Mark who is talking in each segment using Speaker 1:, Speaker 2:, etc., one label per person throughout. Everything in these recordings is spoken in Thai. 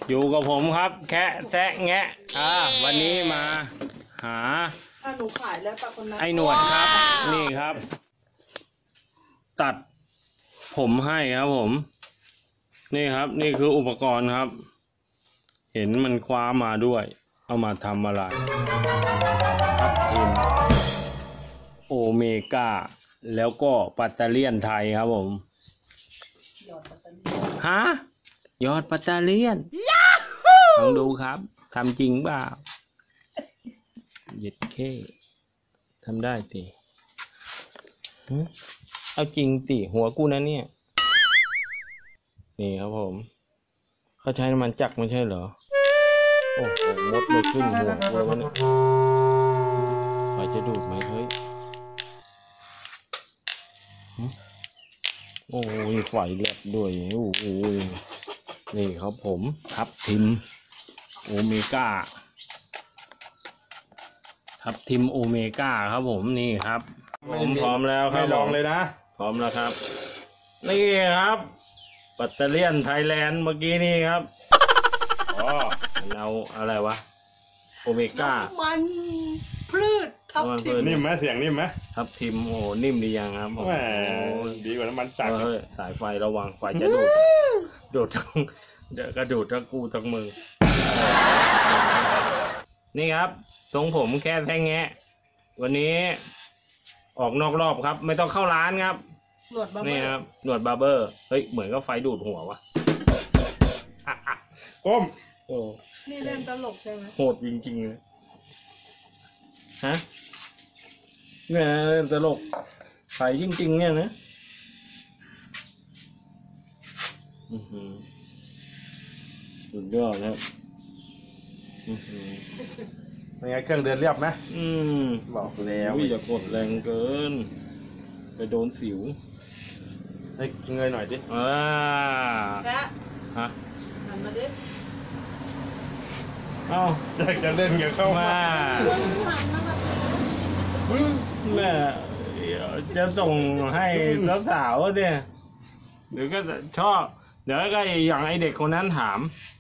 Speaker 1: อยู่กับผมครับแคะแซะแงะวันนี้มาหา
Speaker 2: หนูขายแล้วป้าคนนั้น
Speaker 1: ไอ้หนวดครับนี่ครับ ตัดผมให้ครับผมนี่ครับนี่คืออุปกรณ์ครับ เห็นมันคว้ามาด้วยเอามาทำอะไรครับทีมโอเมก้าแล้วก็ปัตเตอร์เลียนไทยครับผมฮะยอดปัตเตอร์เลียนลองดูครับทำจริงเปล่าเย็ดเข้ทำได้สิเอาจริงสิหัวกูนะเนี่ยนี่ครับผมเขาใช้น้ำมันจักรไม่ใช่เหรอโอ้โหมดไม่ขึ้นหัวกูแล้วเนี่ยไฟจะดูดไหมเฮ้ยโอ้ยไฟแลบด้วยโอ้โหนี่ครับผมทับทิมโอเมก้าทับทิมโอเมก้าครับผมนี่ครับผมพร้อมแล้วครับ
Speaker 3: ไม่ลองเลยนะ
Speaker 1: พร้อมแล้วครับนี่ครับปัตเตอร์เลียนไทยแลนด์เมื่อกี้นี่ครับอ๋อเราอะไรวะโอเมก้า
Speaker 2: มันพืชทับทิม
Speaker 3: นิ่มไหมเสียงนิ่มไหม
Speaker 1: ทับทิมโอ้นิ่มดียังครับผม
Speaker 3: ดีกว่าน้ำมันจักร
Speaker 1: สายไฟระวังไฟจะดูดทั้งเดี๋ยวกระดูดทั้งกูทั้งมือนี่ครับทรงผมแค่แท่งแงะวันนี้ออกนอกรอบครับไม่ต้องเข้าร้านครับ
Speaker 2: หนวดบาร์เบอร์
Speaker 1: นี่ครับหนวดบาร์เบอร์เฮ้ยเหมือนก็ไฟดูดหัววะ
Speaker 3: ก้ม
Speaker 1: โอ้
Speaker 2: นี่เล่นตลกใช่ไหม
Speaker 1: โหดจริงๆเลยฮะเนี่ยเล่นตลกไฟจริงๆเนี่ยนะสุดยอดครับ
Speaker 3: เป็นไงเครื่องเดินเรียบไหมบอกแล้ว
Speaker 1: อย่ากดแรงเกินไปโดนสิว
Speaker 3: ให้เงยหน่อยดิ
Speaker 2: แกะ
Speaker 1: ฮะ
Speaker 2: หันมาดิ
Speaker 1: เอ้า
Speaker 3: อยากจะเล่นกับเข้ามา
Speaker 1: แม่จะส่งให้สาวๆเนี่ยหรือก็ชอบเดี๋ยวก็อย่างไอเด็กคนนั้นถาม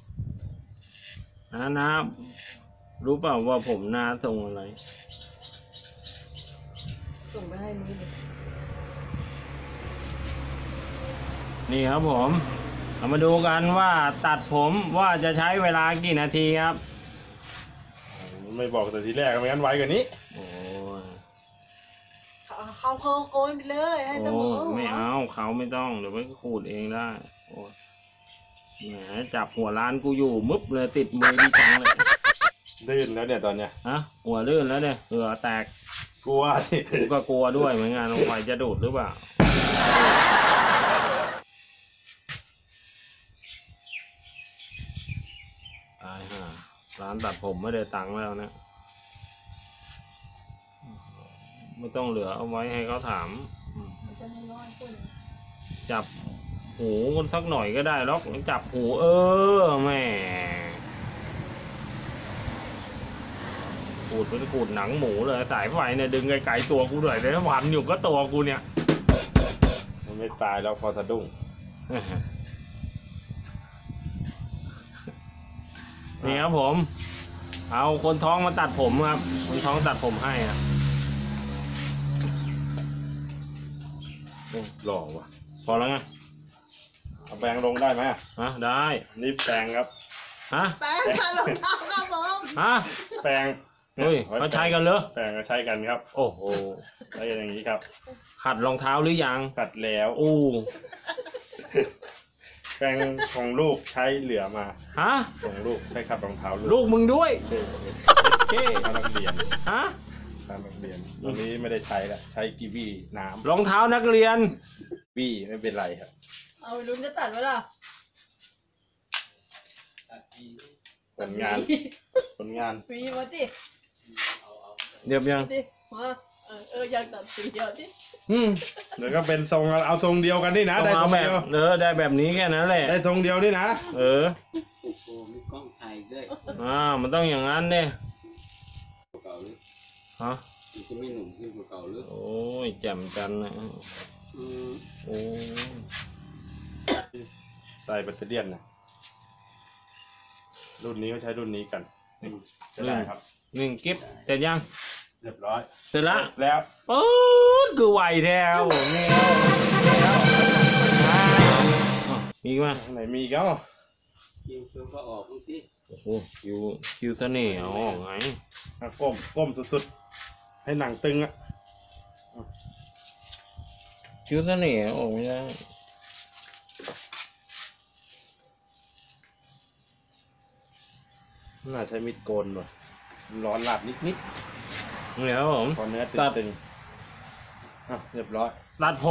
Speaker 1: นะรู้เปล่าว่าผมนาส่งอะไร
Speaker 2: ส่งไปให้นุ้ยเลย
Speaker 1: นี่ครับผมเรามาดูกันว่าตัดผมว่าจะใช้เวลากี่นาทีครับ
Speaker 3: ไม่บอกแต่ทีแรกไม่งั้นไวกว่านี้
Speaker 1: โอ้
Speaker 2: เขาโกยไปเลยให้เสมอ
Speaker 1: ไม่เอาเขาไม่ต้องเดี๋ยวไปขูดเองได้โอ้แหมจับหัวร้านกูอยู่มึบเลยติดมือดีจังเลย
Speaker 3: ลื่นแล้วเนี่ยตอนเนี้ย
Speaker 1: ฮะหัวลื่นแล้วเนี่ยเหงื่อแตก
Speaker 3: กลัวสิ
Speaker 1: กูก็กลัวด้วยเหมือนกันไฟจะดูดหรือเปล่าตายห่าร้านตัดผมไม่ได้ตังค์แล้วนะไม่ต้องเหลือเอาไว้ให้เขาถามจับหูคนสักหน่อยก็ได้หรอกจับหูแม่ขูดเป็นขูดหนังหมูเลยสายไฟเนี่ยดึงไกลๆตัวกูด้วยแต่ถ้าพันอยู่ก็ตัวกูเนี่ย
Speaker 3: มันไม่ตายแล้วพอสะดุ้ง
Speaker 1: นี่ครับผมเอาคนท้องมาตัดผมครับคนท้องตัดผมให้ครับ
Speaker 3: หล่อว่ะ
Speaker 1: พอแล้วไง
Speaker 3: เอาแปรงลงได้ไหม
Speaker 1: ได้
Speaker 3: นี่แปรงครับ
Speaker 2: แปรงขัดรองเท้าครับผม
Speaker 3: แปรง
Speaker 1: เฮ้ยเขาใช้กันเหรอ
Speaker 3: แปรงก็ใช้กันครับ
Speaker 1: โอ้โห
Speaker 3: ใช้อย่างนี้ครับ
Speaker 1: ขัดรองเท้าหรือยัง
Speaker 3: ขัดแล้วแปรงของลูกใช้เหลือมาของลูกใช้ขัดรองเท้า
Speaker 1: ลูกมึงด้วย
Speaker 3: เท่ตอนนักเรียนตอนนักเรียนตอนนี้ไม่ได้ใช้แล้วใช้กีวีน้ำ
Speaker 1: รองเท้านักเรียน
Speaker 3: วีไม่เป็นไรครับ
Speaker 2: เอาไปลุ้นจะตัดไว้ล่ะ
Speaker 3: ผลงาน
Speaker 2: วีมาดิ
Speaker 1: เดี๋ยวยัง
Speaker 2: มาอยากตัดสีเดียวดิ
Speaker 3: เดี๋ยวก็เป็นทรงเอาทรงเดียวกันนี่นะได้ทรงเดียว
Speaker 1: ได้แบบนี้แค่นั้นแหละ
Speaker 3: ได้ทรงเดียวนี่นะ
Speaker 4: มีกล้องถ่ายด้วย
Speaker 1: มันต้องอย่างนั้นเนี่ย
Speaker 4: เก่าหรือ
Speaker 1: ฮะ
Speaker 4: จะไม่หนุ่มขึ้นกว่าเก่าหรือ
Speaker 1: โอ้ยแจ่มจันนะโอ้
Speaker 3: ใส่แบตเตอรี่นะรุ่นนี้ก็ใช้รุ่นนี้กันจะได้ครับ
Speaker 1: หนึ่งกิ๊บเสร็จยัง
Speaker 3: เรียบร้อย
Speaker 1: เสร็จละ
Speaker 3: แล้ว
Speaker 1: ปื๊ดคือไหวแถวนี่มีอีกไหม
Speaker 3: ข้างไหนมีอีก็
Speaker 4: คิวก็ออกบางที
Speaker 1: โอ้โหคิวเสน่ห์เอาออกไง
Speaker 3: ก้มสุดๆให้หนังตึงอะ
Speaker 1: คิวเสน่ห์เอาออกไม่ได้
Speaker 3: น่าใช้มีดโกนว่ะร้อนหลับนิด
Speaker 1: นี่ครับผม
Speaker 3: ๆพอเนื้อ
Speaker 1: ตัด
Speaker 3: ตึงๆอ่ะเรียบร้อย
Speaker 1: ตัดผม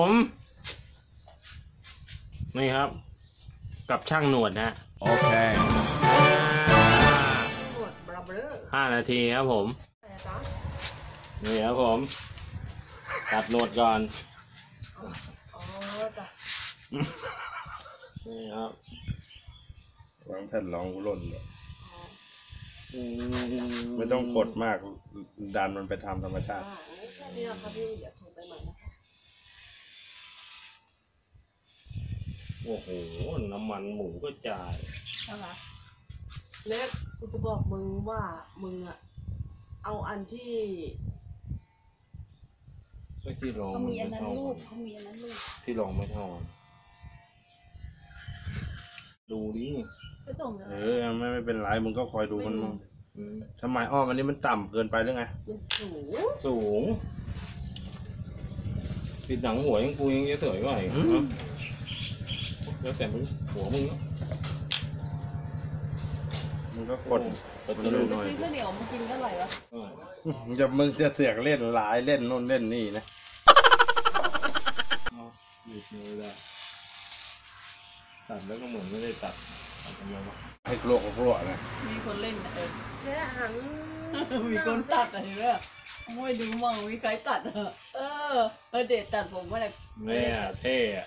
Speaker 1: นี่ครับ กับช่างหนวดนะ
Speaker 3: โอเค
Speaker 2: หนวดบลาเบลอ
Speaker 1: 5 นาทีครับผม
Speaker 2: แต่ตา
Speaker 1: นี่ครับผม ตัดหนวดก่อน
Speaker 2: อ๋อจ้ะ
Speaker 1: นี่ครับ
Speaker 3: วางแผ่นรองหล่นเลย
Speaker 2: อ๋อ
Speaker 3: ไม่ต้องกดมากดันมันไปทำธรรมชาติ
Speaker 2: แค่นี้ครับพี่เดี๋ยวโทรไปใหม่นะคะ
Speaker 1: โอ้โห น้ำมันหมูก็จ่าย
Speaker 2: นะคะเล็กกูจะบอกมึงว่ามึงอะเอาอันที่
Speaker 1: ก็ที่รอง
Speaker 2: เขามีอันนั้น
Speaker 1: ไม่
Speaker 2: ลู
Speaker 1: เท่าก
Speaker 2: เขามีอันนั้นลูก
Speaker 1: ที่รองไม่เท่ากันดูดิ
Speaker 2: ไปส่งเลย
Speaker 3: ไม่เป็นไรมึงก็คอยดูมันมั่ง
Speaker 1: อืม
Speaker 3: ทำไมอ้อมอันนี้มันต่ำเกินไปหรือไง
Speaker 2: มันสูง
Speaker 1: สูงปิดหนังหัวยังกูยังจะสวยกว่าอีก
Speaker 3: อืม
Speaker 1: เนอะแล้วแต่มึงหัวมึงเนอะ
Speaker 3: มึงก็กด
Speaker 1: กดจะดูหน่อย
Speaker 2: ซื้อข้าวเหนียวมากินก็อร่อยวะ
Speaker 3: มึงจะเสือกเล่นหลายเล่นโน่นเล่นนี่นะ
Speaker 1: หยุดมือได้ตัดแล้วก็เหมือนไม่ได้ตัดตัดทำไมวะ
Speaker 3: ให้โลกโลกนะ
Speaker 2: มีคนเล่นนะ
Speaker 5: แค่หัน
Speaker 2: มีคนตัดอะไรเนี่ยไม่ดูมั่งมีใครตัดเด็ดตัดผมว่าอะไร
Speaker 1: เนี่ยเท่อะ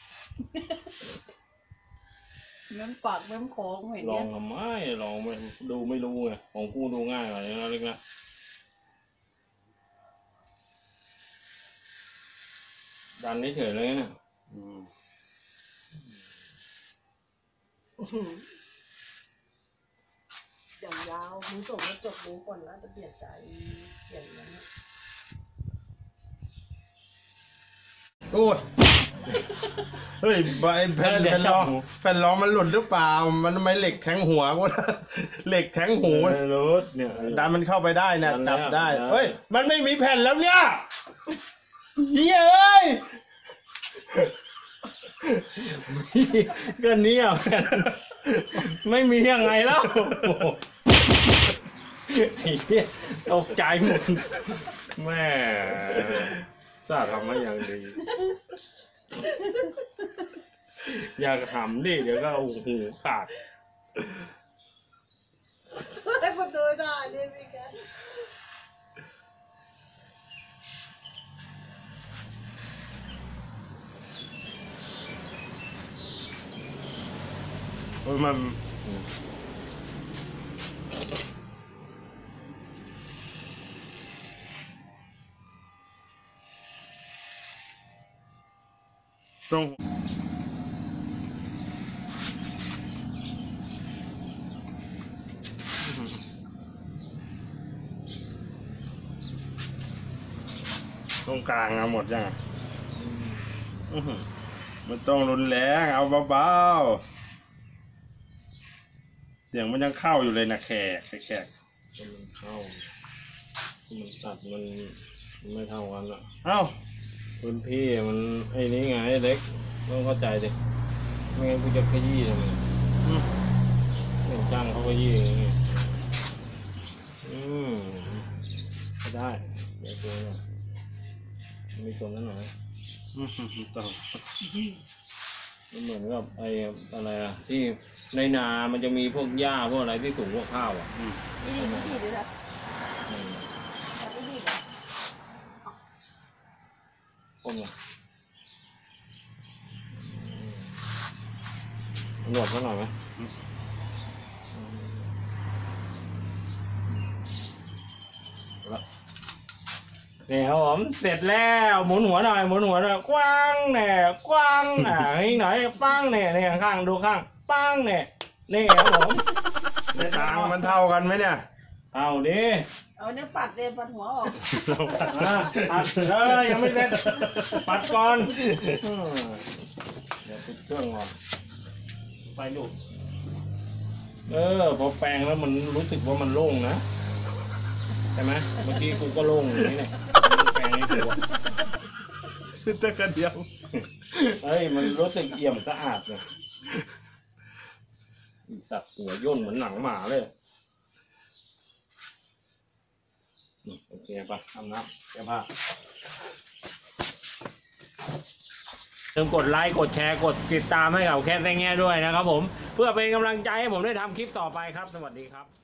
Speaker 2: เม้มปากเม้มคอเห็น
Speaker 1: ลอ
Speaker 2: เนี่
Speaker 1: ง
Speaker 2: ย
Speaker 1: ทำไมลองไม่ดูไม่รู้ไงของกูดูง่ายกว่านี้นะเล็กนะดันเฉยๆเลยนะ
Speaker 3: อืม
Speaker 5: อย่างยาวมึงส่งมาจบมึงก่อนแล้วจะเปลี่ยนใจเปลี่ยนนั้นนะ
Speaker 3: โอ้ยเฮ้ยไอ้แผ่นรองมันหลุดหรือเปล่า มันทำไมเหล็กแทงหัวกูนะเหล็กแทงหู
Speaker 1: ไม่รู้เนี่ย
Speaker 3: ดันมันเข้าไปได้นะ
Speaker 1: ดันแล้ว
Speaker 3: จับได้
Speaker 1: ดันแล้ว
Speaker 3: เฮ้ย มันไม่มีแผ่นแล้วเนี่ยเฮ้ยเอ้ย
Speaker 1: ก็เนี่ย ไม่มียังไงแล้วไอ้เหี้ยตกใจหมดแม่สาทำมาอย่างดี อยากทำดิเดี๋ยวก็เอาหูขาด
Speaker 5: ให้คนดูได้เนี่ยพี่แก
Speaker 3: มันต้องตรงกลางเอาหมดยังอะอื้อหือมันต้องรุนแรงเอาเบาๆเสียงมันยังเข้าอยู่เลยนะแขก
Speaker 1: มันเข้า มันตัดมันไม่เท่ากันอ่ะ
Speaker 3: เอ้า
Speaker 1: พื้นที่มันไอ้นี้ไงไอ้เล็กต้องเข้าใจดิไม่งั้นกูจะขยี้ทำไม
Speaker 3: อืม
Speaker 1: เป็นจ้างเขาขยี้อย่างเงี้ยไม่ได้เดี๋ยวตัวเนี่ยมีตัวนั้นหน่อย
Speaker 3: ต้อง
Speaker 1: มันเหมือนกับไอ้อะไรอะที่ในนามันจะมีพวกหญ้าพวกอะไรที่สูงกว่าข้าวอ่ะ
Speaker 3: อืม
Speaker 2: นี่ดีด้วยนะ
Speaker 1: อืม
Speaker 2: นี่ดีนะ
Speaker 1: ก้มลงหนวดเขาหน่อยไหมนี่ครับผมเสร็จแล้วหมุนหัวหน่อยหมุนหัวหน่อยกว้างแหน่กว้างอีกหน่อยปังแหน่เนี่ยข้างดูข้างปังแหน่นี่ครับผม
Speaker 3: ทางมันเท่ากันไหมเนี่ย
Speaker 1: เอาดิ
Speaker 2: เอาเนี่ยปัดเลยปัดหัวออก
Speaker 1: ปัดยังไม่เสร็จปัดก่อนเดี๋ยวปิดเครื่องก่อนไปดูพอแปลงแล้วมันรู้สึกว่ามันโล่งนะใช่ไหมเมื่อกี้กูก็โล่งอย่างนี้เนี่ยแปลงให้กูอะ
Speaker 3: ตะกันเดียว
Speaker 1: เฮ้ยมันรู้สึกเอี่ยมสะอาดเลยตัดหัวย่นเหมือนหนังหมาเลยโอเคปะทำน้ำแก้ผ้าอย่าลืมกดไลค์กดแชร์กดติดตามให้กับแค่แง่ด้วยนะครับผมเพื่อเป็นกำลังใจให้ผมได้ทำคลิปต่อไปครับสวัสดีครับ